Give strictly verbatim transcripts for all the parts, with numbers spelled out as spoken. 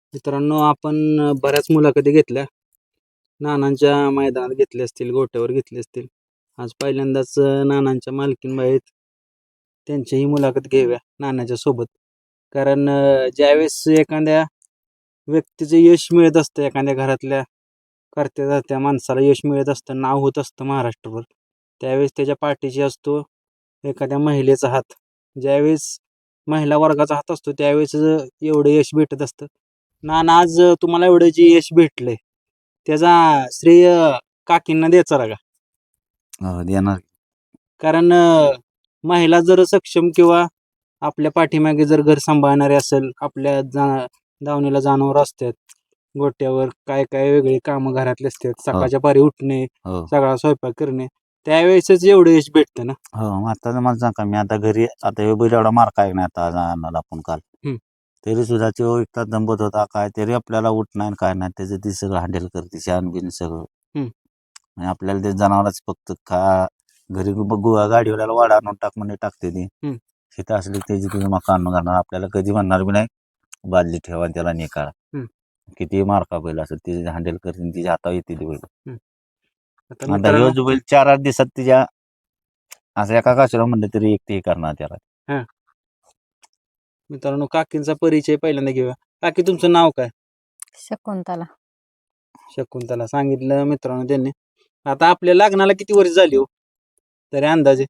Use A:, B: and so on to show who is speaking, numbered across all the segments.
A: मित्रांनो, आपण अ, बऱ्याच मुलाखती घेतल्या. नानांच्या मैदानात घेतले असतील, गोट्यावर घेतले असतील. आज पहिल्यांदाच अ, नानांच्या मालकीनबाई आहेत. त्यांचीही मुलाखत घेऊया नानाच्या सोबत. कारण अ, ज्यावेळेस एखाद्या व्यक्तीचं यश मिळत असतं, एखाद्या घरातल्या कर्त्या-धर्त्या माणसाला यश मिळत असतं, नाव होत असतं महाराष्ट्रभर, त्यावेळेस त्याच्या पाठीशी असतो एखाद्या महिलेचा हात. ज्यावेळेस महिला वर्गाचा हात असतो, त्यावेळेस अ, एवढं यश भेटत असतं. नाना, आज अ, तुम्हाला एवढं जे यश भेटलंय, त्याचा श्रेय काकींना द्यायचा का?
B: हो, देणार.
A: कारण अ, महिला जर सक्षम किंवा आपल्या पाठीमागे जर घर सांभाळणारे असेल, आपल्या जा दावणीला जनावरं असतात, गोट्यावर काय काय वेगळी कामं घरातली असतात,
B: हो.
A: सकाळच्या पारी उठणे,
B: हो
A: सगळा स्वयंपाक करणे, त्यावेळेसच एवढं यश भेटतं ना.
B: हो मग आता मला सांगा, मी आता घरी आता हे बैल एवढा मार काय नाही आता आज आणला आपण काल.
A: हम्म.
B: तरी सुद्धा तो एक तास दंबत होता, काय तरी आपल्याला उठ नाही काय नाही, त्याचं ती सगळं हँडल करते, शान बिन सगळं.
A: हम्म.
B: आणि आपल्याला ते जनावरच फक्त खा घरी बघू गाडीवाल्याला वाडा आणून टाक म्हणे टाकते ती.
A: हम्म.
B: शेतं असली त्याची तुझं मका आणून घालणार, आपल्याला कधी म्हणणार बी नाही बादली ठेवा त्याला निकाला.
A: हम्म.
B: किती मारका बैल असं तिचे हँडल करते, तिच्या हातावर येते ती बैल.
A: आता
B: आता
A: मित्रांनो,
B: ह्यो जो बैल चार आठ दिवसात तिच्या असं एका काशीला म्हणलं तरी एक ते करणार त्याला.
A: हा मित्रांनो, काकींचा परिचय पहिल्यांदा घेऊया. काकी, तुमचं नाव काय?
C: शकुंतला.
A: शकुंतला सांगितलं मित्रांनो त्यांनी. आता आपल्या लग्नाला किती वर्ष झाली हो तरी अंदाजे?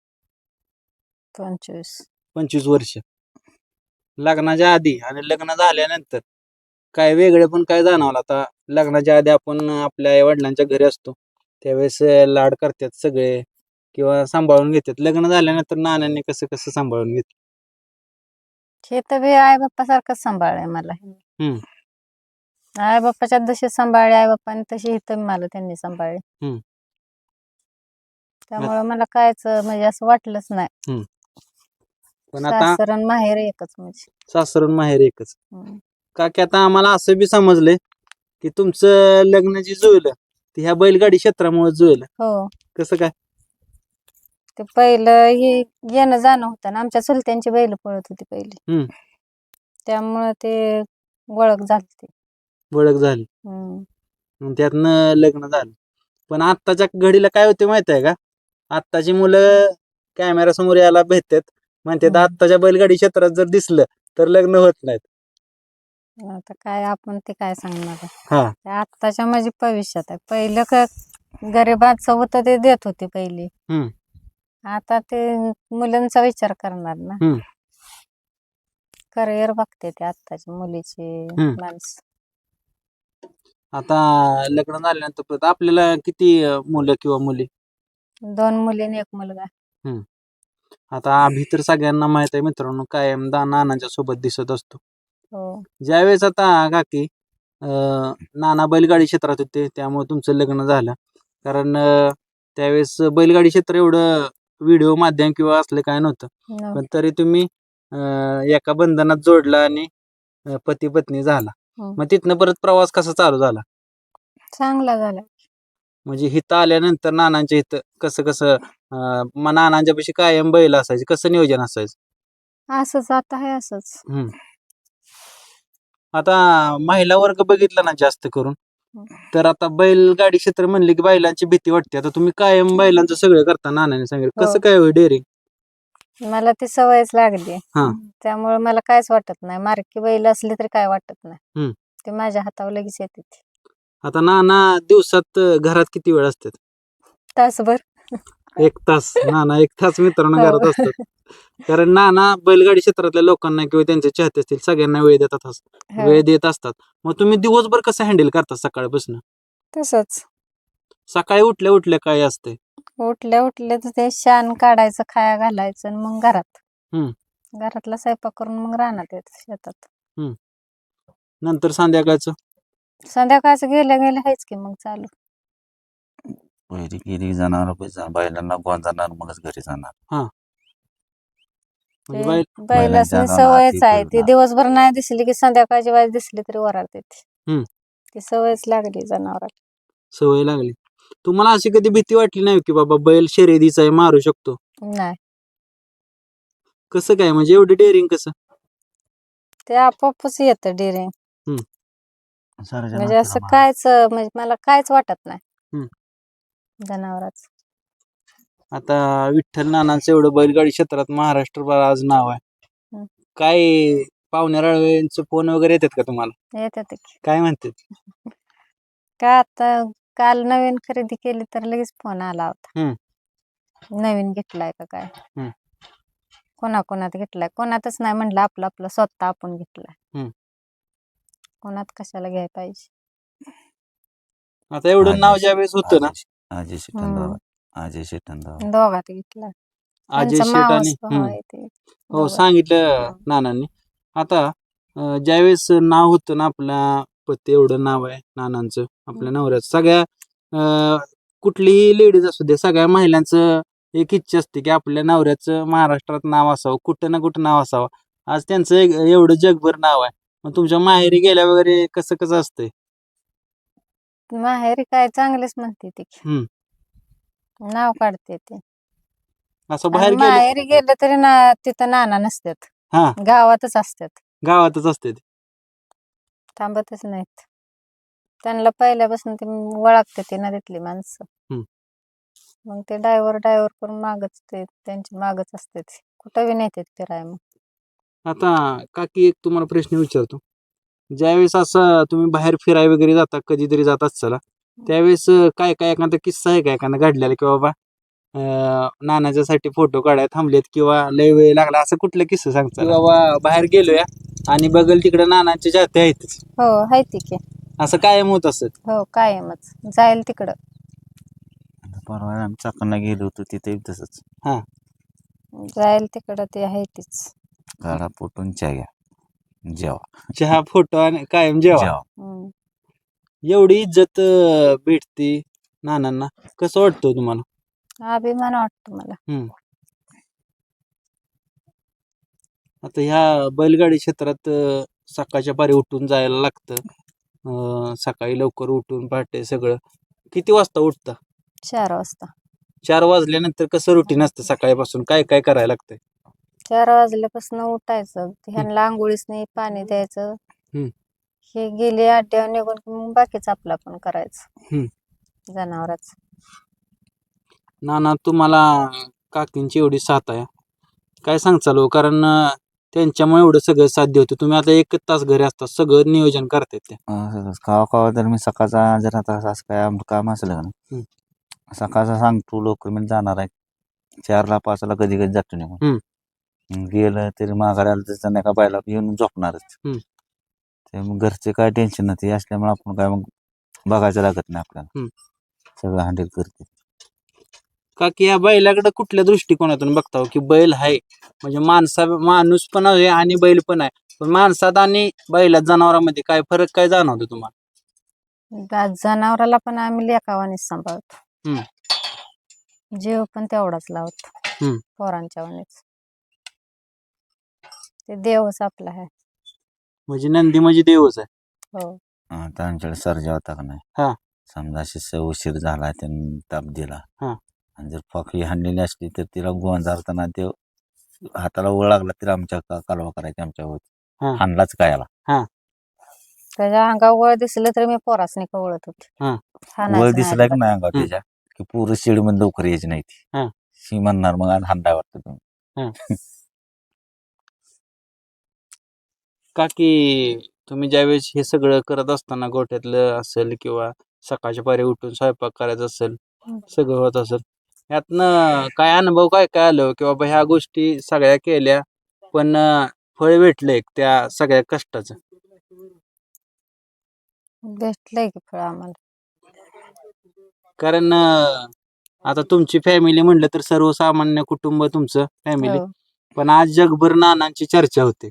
C: पंचवीस.
A: पंचवीस वर्ष. लग्नाच्या आधी आणि लग्न झाल्यानंतर काय वेगळे पण काय जाणवलं? आता लग्नाच्या आधी आपण आपल्या आई वडिलांच्या घरी असतो, त्यावेळेस लाड करतात सगळे किंवा सांभाळून घेतात. लग्न झाल्यानंतर नानांनी कसं कसं सांभाळून घेतलं?
C: हे तर बी आई बाप्पासारखंच सांभाळलंय मला.
A: हम्म.
C: आई बाप्पाच्या जशी सांभाळले आई बाप्पाने, तशी इथं मला त्यांनी सांभाळले.
A: हम्म.
C: त्यामुळे मला कायच म्हणजे असं वाटलंच नाही.
A: पण आता
C: सासर आणि माहेर एकच म्हणजे.
A: सासरून माहेर एकच.
C: हम्म.
A: का की आता आम्हाला असं बी समजलंय की तुमचं लग्न जे जुळलं ते ह्या बैलगाडी क्षेत्रामुळे जुळलं.
C: हो,
A: कसं काय?
C: ते पहिलं हे येणं जाणं होतं ना, आमच्या चुलत्यांची बैल पळत होती पहिली.
A: हम्म.
C: त्यामुळे ते ओळख झाली.
A: ओळख झाली,
C: हम्म.
A: मग त्यातनं लग्न झालं. पण आत्ताच्या घडीला काय होते माहित आहे का? आत्ताची मुलं कॅमेरा समोर यायला भेटतात, म्हणतात
C: हम्म.
A: आत्ताच्या बैलगाडी क्षेत्रात जर दिसलं तर लग्न होत नाहीत.
C: आता काय आपण ते काय सांगणार आहे?
A: हा
C: ते आत्ताच्या म्हणजे भविष्यात आहे. पहिलं का गरिबाचं होतं ते देत होते पहिली.
A: हम्म.
C: आता ते मुलांचा विचार करणार ना.
A: हम्म.
C: करिअर बघते ते आत्ताची मुलीची
A: हम्म.
C: माणसं.
A: आता लग्न झाल्यानंतर परत आपल्याला किती अं, मुलं किंवा मुली?
C: दोन मुली आणि एक मुलगा.
A: हम्म. आता अभि तर सगळ्यांना माहित आहे मित्रांनो, कायम दा नानांच्या सोबत दिसत असतो.
C: हो.
A: ज्यावेळेस आता काकी अं, नाना बैलगाडी क्षेत्रात होते, त्यामुळे तुमचं लग्न झालं. कारण अं, त्यावेळेस बैलगाडी क्षेत्र एवढं व्हिडिओ माध्यम किंवा असलं काय नव्हतं,
C: न-
A: पण तरी तुम्ही अं, एका बंधनात जोडला आणि पती पत्नी झाला.
C: हं.
A: मग तिथनं परत प्रवास कसा चालू झाला?
C: चांगला झाला.
A: म्हणजे इथं आल्यानंतर नानांच्या इथं कसं कसं अं, मग नानांच्या पाशी कायम बैल असायचे, कसं नियोजन असायचं?
C: असंच आता आहे असंच.
A: हम्म. आता महिला वर्ग बघितला ना जास्त करून,
C: हं.
A: तर आता बैलगाडी क्षेत्र म्हणले की बैलांची भीती वाटते. आता तुम्ही कायम बैलांचं सगळं करता, नानाने सांगितलं,
C: हो.
A: कसं काय होय डेअरिंग?
C: मला ती सवयच लागली.
A: हा.
C: त्यामुळे मला कायच वाटत नाही. मारकी बैल असली तरी काय वाटत नाही.
A: हम्म.
C: ते माझ्या हातावर लगेच येते ती.
A: आता नाना दिवसात अं, घरात किती वेळ असतात?
C: तासभर.
A: एक तास. नाना एक तास मित्रांनो
C: हो.
A: घरात असतात. कारण नाना बैलगाडी क्षेत्रातल्या लोकांना किंवा त्यांचे चाहते असतील सगळ्यांना वेळ देतात अस-
C: हो.
A: वेळ देत असतात. मग तुम्ही दिवसभर कसं हँडल करता सकाळपासून?
C: तसंच
A: सकाळी उठल्या उठल्या काय असते?
C: उठल्या उठल्या तर ते शान काढायचं, खाया घालायचं आणि मग घरात.
A: हम्म.
C: घरातला स्वयंपाक करून मग रानात येत शेतात.
A: नंतर संध्याकाळचं?
C: संध्याकाळचं गेल्या गेल्या आहेच की मग चालू.
B: पहिली गेली जनावर बैलांना गोन जाणार, मगच घरी जाणार.
A: म्हणजे
C: ते
A: बैल
C: बैलासनी
B: अंगावर
C: सवयच
B: हाती
C: आहे. ती
B: फिरणार.
C: दिवसभर नाही दिसली की संध्याकाळची वेळ दिसली तरी ओरडते ती.
A: हम्म.
C: ती सवयच लागली जनावराला.
A: सवय लागली. तुम्हाला अशी कधी भीती वाटली नाही की बाबा बैल शर्यतीचा आहे, मारू शकतो?
C: नाही,
A: कसं काय म्हणजे एवढी डेअरिंग कसं?
C: ते आपोआपच येतं डेअरिंग.
A: हम्म.
B: सरजा
C: म्हणजे
B: नातीला
C: असं
B: मार.
C: कायच म्हणजे मला कायच वाटत नाही
A: हम्म.
C: जनावराच.
A: आता विठ्ठल नानांचं एवढं बैलगाडी क्षेत्रात महाराष्ट्रभर आज नाव आहे.
C: हम्म.
A: काय पाहुण्या राळवेंचे फोन वगैरे येतात का तुम्हाला?
C: येतात की.
A: काय म्हणतात?
C: का आता काल नवीन खरेदी केली तर लगेच फोन आला होता.
A: हम्म.
C: नवीन घेतलाय का काय.
A: हम्म.
C: कोणाकोणात घेतलाय, कोणातच नाही म्हणलं, आपलं आपलं स्वतः आपण घेतलाय.
A: हम्म.
C: कोणात कशाला घ्याय पाहिजे.
A: आता एवढं नाव ज्यावेळेस होतं ना,
B: अजय अजय शेटन
C: हम्म.
B: दावा अजय शेटन दावा
C: दोघात घेतलाय.
A: अजय
C: त्यांचा
A: शेट आणि
C: मावस भाऊ
A: हम्म.
C: आहे ते.
A: हो
C: दोघात.
A: सांगितलं
C: हम्म.
A: नानांनी. आता अं, ज्यावेळेस नाव होतं ना, आपल्या पती एवढं नाव आहे नानांचं, आपल्या नवऱ्याचं, सगळ्या अं, कुठलीही लेडीज असू दे, सगळ्या महिलांचं एक इच्छा असते की आपल्या नवऱ्याचं महाराष्ट्रात नाव असावं, कुठं ना कुठं नाव असावं. आज त्यांचं एक- एवढं जगभर नाव आहे. मग तुमच्या माहेरी गेल्या वगैरे कसं कसं असतंय?
C: माहेरी काय चांगलेच म्हणते ती.
A: हम्म.
C: नाव काढते ते.
A: असं
C: आणि
A: बाहेर गेलं
C: माहेरी गेलं तरी ना तिथं नाना नसतात,
A: हा
C: गावातच असतात.
A: गावातच असते ते.
C: थांबतच नाहीत. त्यांना पहिल्यापासून ते ओळखते ते ना तिथली माणसं.
A: हम्म.
C: मग ते डायव्हर डायव्हर करून मागच ते त्यांची मागच असते ते. कुठं बी नेतात फिराय. मग
A: आता काकी एक तुम्हाला प्रश्न विचारतो. ज्यावेळेस असं तुम्ही बाहेर फिराय वगैरे जाता, कधीतरी जात असाल, त्यावेळेस अं, काय काय एखादा किस्सा आहे का एखादा घडलेला की बाबा अं, नानाच्यासाठी फोटो काढाय थांबलेत किंवा लय वेळ लागला, असं कुठलं किस्सा सांगता की बाबा बाहेर गेलोया आणि बघल तिकडे नानांचे जाते आहेतच,
C: हो आहे ती की.
A: असं कायम होत असत?
C: हो कायमच जाईल तिकडं.
B: आता परवा आम्ही चाकणला गेलो होतो तिथे तसंच
A: हा
C: जाईल तिकडं ते आहे तीच.
B: गाडा पोटून चहा घ्या जेवा
A: चहा फोटो आणि कायम जेवा.
B: जेवा
C: हम्म.
A: एवढी इज्जत अं, भेटती नानांना, कसं वाटतं तुम्हाला?
C: अभिमान वाटतो मला.
A: हम्म. आता ह्या बैलगाडी क्षेत्रात अं, सकाळच्या पारी उठून जायला लागतं. अं, सकाळी लवकर उठून पहाटे सगळं. किती वाजता उठता?
C: चार वाजता.
A: चार वाजल्यानंतर कसं रुटीन असतं सकाळपासून, काय काय करायला लागतंय?
C: चार वाजल्यापासून उठायचं, ह्यांना आंघोळीच नाही, पाणी द्यायचं.
A: हम्म.
C: हे गेले अड्ड्यावर निघून की मग बाकीच आपलं आपण करायचं.
A: हम्म.
C: जनावराच.
A: नाना तुम्हाला काकींची एवढी साथ आहे, काय सांगचाल हो? कारण अं, त्यांच्यामुळे एवढं सगळं साध्य होतं. तुम्ही आता एक तास घरी असता, सगळं नियोजन करतायत ते.
B: असंच कवा कवा तर मी सकाळचा जर आता असं काय आमचं काम असलं का
A: हम्म.
B: ना सकाळचा सांगतो लवकर मी जाणार आहे चारला पाचला कधी कधी जातो निघून.
A: हम्म.
B: मग गेलं तरी माघारी आलं तर संध्याकाळ बायला येऊन झोपणारच.
A: हम्म.
B: ते मग घरचे काय टेन्शन नाही असल्यामुळे आपण काय मग बघायचं लागत नाही आपल्याला.
A: हम्म.
B: सगळं हँडल करते.
A: का की या बैलाकडे कुठल्या दृष्टिकोनातून बघता हो? की बैल आहे म्हणजे माणसा माणूस पण आहे आणि बैल पण आहे, पण माणसात आणि बैलात जनावरांमध्ये काय फरक काय जाणवतो तुम्हाला?
C: गा- जनावराला पण आम्ही लेकावानीच सांभाळतो.
A: हम्म.
C: जीव पण तेवढाच लावतो.
A: हम्म.
C: पोरांच्या वाणीच. ते देवच आपला आहे.
A: म्हणजे नंदी म्हणजे देवच आहे.
C: हो.
B: आता आमच्याकडे सर्जा होता का
A: हा.
B: नाही समजा अशी स- उशीर झाला त्यांनी ताप दिला
A: हा.
B: आणि जर फाकली हाणलेली असली तर तिला गोंजारताना ते हाताला ओळ लागला तर आमच्या का- कालवा करायची आमच्या
A: हा.
B: होती हाणलाच कायाला.
A: हा.
C: त्याच्या अंगावर वळ दिसलं तर मी पोरासनी कवळत होते.
A: हा.
C: हाणायचं
B: वळ
C: नाही
B: दिसला की
C: अजिबात.
B: नाही अंगावर
A: हम्म.
B: त्याच्या की पूर्ण शेडमध्ये लवकर यायची नाही ती.
A: हा.
B: शी म्हणणार मग आज हांडाय वाटतं तुम्ही.
A: हा. का की तुम्ही ज्यावेळेस हे सगळं करत असताना गोठ्यातलं असेल किंवा सकाळच्या पारी उठून स्वयंपाक करायचा असेल,
C: हम्म.
A: सगळं होत असेल, यातनं काय अनुभव काय काय आलं की बाबा ह्या गोष्टी सगळ्या केल्या पण अं, फळ भेटलंय त्या सगळ्या कष्टाचं?
C: भेटलंय की फळ आम्हाला.
A: कारण अं, आता तुमची फॅमिली म्हणलं तर सर्वसामान्य कुटुंब तुमचं फॅमिली,
C: हो.
A: पण आज जगभर नानांची चर्चा होते.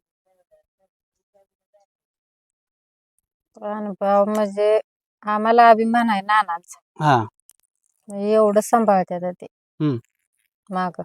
C: अनुभव म्हणजे आम्हाला अभिमान आहे नानांचा.
A: हा.
C: म्हणजे एवढं सांभाळतात ते
A: हम्म.
C: माग.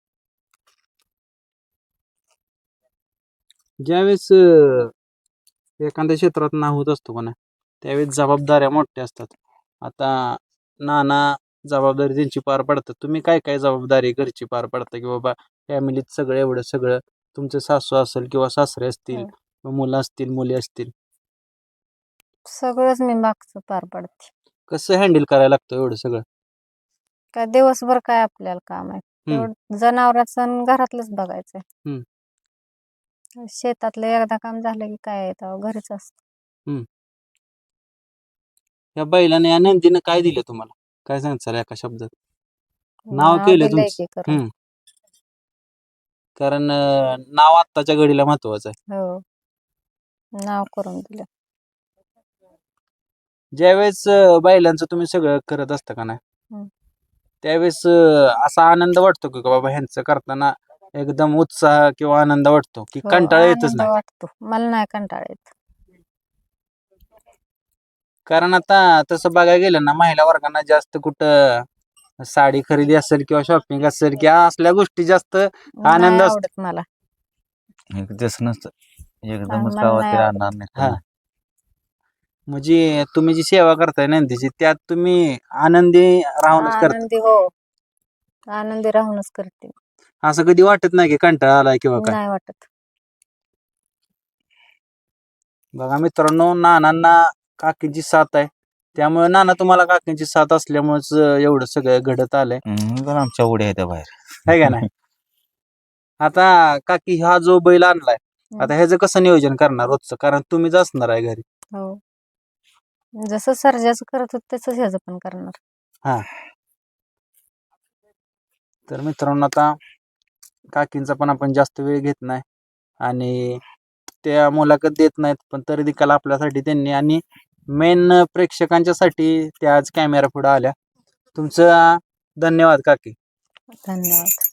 A: ज्यावेळेस अं, एखाद्या क्षेत्रात नाव होत असतो का ना, त्यावेळेस जबाबदाऱ्या मोठ्या असतात. आता नाना जबाबदारी त्यांची पार पडतात, तुम्ही काय काय जबाबदारी घरची पार पडता की बाबा फॅमिलीत सगळं एवढं सगळं, तुमचं सासू असेल किंवा सासरे असतील,
C: हो.
A: किंवा मुलं असतील मुली असतील?
C: सगळंच मी मागचं पार पडते.
A: कसं हँडल करायला लागतं एवढं सगळं?
C: काय दिवसभर काय आपल्याला काम आहे,
A: हम्म.
C: तेवढं जनावरांचं आणि घरातलंच बघायचंय.
A: हम्म.
C: शेतातलं एकदा काम झालं की काय आहे, तेव्हा घरीच असतं.
A: या बैलाने या नंदीनं काय दिलं तुम्हाला? काय सांगचाल एका शब्दात? नाव केलं
C: दिलंय
A: तुमचं.
C: की करून.
A: हम्म. कारण अं, नाव आत्ताच्या घडीला महत्वाचं आहे.
C: हो, नाव करून दिलं.
A: ज्यावेळेस अं, बैलांचं तुम्ही सगळं करत असता का नाही,
C: हम्म.
A: त्यावेळेस अं, असा आनंद वाटतो की बाबा ह्यांचं करताना एकदम उत्साह किंवा आनंद वाटतो की
C: हो,
A: कंटाळा येतच
C: आनंद
A: नाही?
C: वाटतो. मला नाही कंटाळा येत.
A: कारण आता तसं बघायला गेलं ना, महिला वर्गांना जास्त कुठं साडी खरेदी असेल किंवा शॉपिंग असेल किंवा असल्या गोष्टी जास्त आनंद
C: नाही
A: असतो.
C: आवडत मला.
B: एक दिवस नसतं एकदमच
C: मला
B: गावात
C: नाही
B: ते
C: आवडत.
B: राहणार नाही
A: हा.
B: त्यांना.
A: म्हणजे तुम्ही जी सेवा करताय नंदीची त्यात तुम्ही आनंदी राहूनच करता.
C: आनंदी हो, आनंदी राहूनच करते.
A: असं कधी वाटत नाही की कंटाळा आलाय किंवा काय?
C: नाही वाटत.
A: बघा मित्रांनो, नानांना काकींची साथ आहे, त्यामुळे नाना तुम्हाला काकींची साथ असल्यामुळेच एवढं सगळं घडत आलंय,
B: हम्म, पण आमच्या उड्या आहेत त्या बाहेर.
A: है का नाही? आता काकी हा जो बैल आणलाय, आता ह्याचं कसं नियोजन करणार रोजचं? कारण तुम्हीच असणार आहे घरी.
C: हो, जसं सर्जाचं करत होत तसंच ह्याचं पण करणार.
A: हा. तर मित्रांनो, आता काकींचा पण आपण जास्त वेळ घेत नाही आणि त्या मुलाखत देत नाहीत, पण तरी देखील आपल्यासाठी त्यांनी आणि मेन प्रेक्षकांच्यासाठी त्या आज कॅमेरा पुढे आल्या. तुमचं धन्यवाद काकी.
C: धन्यवाद.